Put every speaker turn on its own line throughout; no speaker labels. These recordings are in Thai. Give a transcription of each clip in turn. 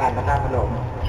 การพระธาตุพนม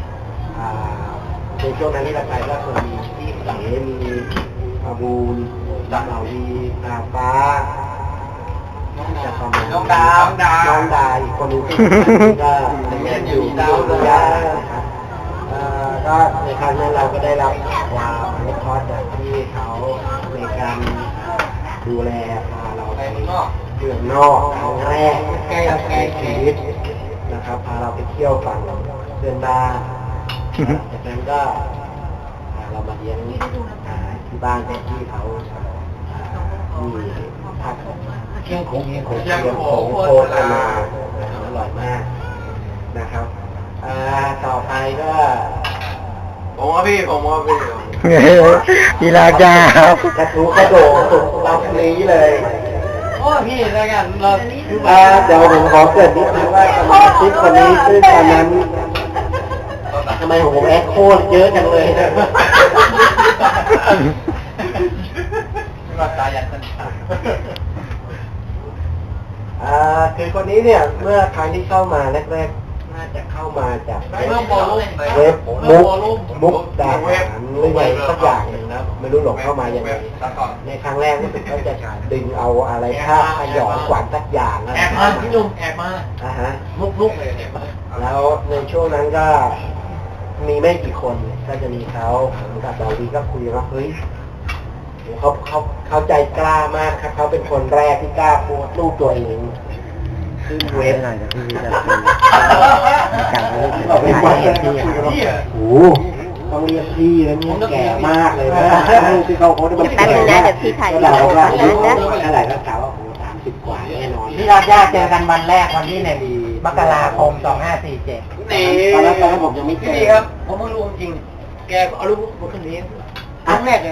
ในช่วงนั้นที่เราไปก็คนมีที่เสมีอาบูลดาวดีนาฟ้าจะประมาณน้องดาอีกคนนึงก็เรียนอยู่ดาวดานะครับก็ในครั้งนั้นเราก็ได้รับความอนุเคราะห์จากที่เขาในการดูแลพาเราไปเมืองนอกครั้งแรกในชีวิตนะครับพาเราไปเที่ยวฝั่งเพื่อนบ้านจากนั้นก็เรามาเลี้ยงที่บ้านที่เขามีผักเชียงของโคตรมาอร่อยมากนะครับต่อไปก็ผมว่าพี่กีฬากากระทู้กระโดดเรานี้เลยโอ้พี่แล้วกันเดี๋ยวผมขอเกิดนิดนึงว่าสมาชิกคนนี้ซึ่งตอนนั้นทำไมผมแอคโคตรเยอะจังเลยนะตายันสันคือคนนี้เนี่ยเมื่อครั้งที่เข้ามาแรกๆน่าจะเข้ามาจากเว็บมุกดาหารหรือไงสักอย่างหนึ่งนะไม่รู้หลงเข้ามายังไงในครั้งแรกรู้สึกเขาจะดึงเอาอะไรภาพขยอนขวัญสักอย่างนะแอบมาพี่ลุงแอบมามุกเลยแล้วในช่วงนั้นก็มีไม่กี่คนก็จะมีเขากับดาวีก็คุยว่าเฮ้ยเขาใจกล้ามากครับเขาเป็นคนแรกที่กล้าโพสต์รูปตัวเองขึ้นเว็บหน่อยนะพี่จะการเรียกพี่โอ้ต้องเรียกพี่แล้วเนี่ยแก่มากเลยนะที่เขาโพสต์มันแก่นะเดี๋ยวพี่ถ่ายเราว่าอะไรก็กล่าวว่า30 กว่าแน่นอนที่เราเจอกันวันแรกวันที่1 มกราคม 2547ตอนนั้นผมยังไม่เจอครับผมเพิ่งรู้จริงแกเอารูปคนนี้ครั้งแรกเลย